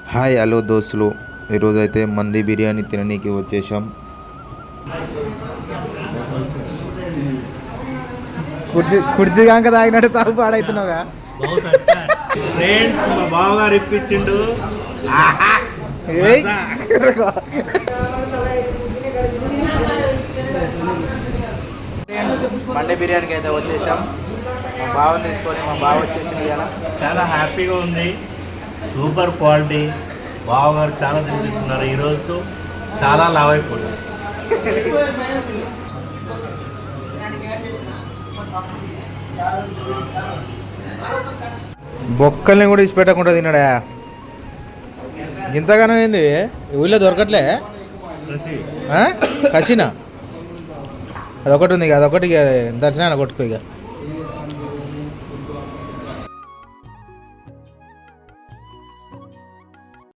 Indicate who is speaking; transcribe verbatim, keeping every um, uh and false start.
Speaker 1: Hi hello దోస్తులు, ఈరోజు అయితే మంది బిర్యానీ తిననీకి వచ్చేసాం.
Speaker 2: కుర్తి కుర్తి కాక తాగినట్టు తాగు పాడవుతున్నావుగా.
Speaker 3: ఫ్రెండ్స్ మా బావగారు ఇప్పించిండు.
Speaker 2: మండే బిర్యానీకి అయితే వచ్చేసాం. మా బావని తీసుకొని మా బావ వచ్చేసింది కదా.
Speaker 3: చాలా హ్యాపీగా ఉంది. Super quality. బావగారు చాలా తినిపిస్తున్నారు. ఈరోజు చాలా లావ్ అయిపోతుంది.
Speaker 2: బొక్కల్ని కూడా ఇచ్చి పెట్టకుండా తిన్నాడా. ఇంతగానో ఏంది ఊళ్ళో దొరకట్లే. కసినా అదొకటి ఉంది ఇక, అదొకటి దర్శనాన్ని కొట్టుకో ఇక.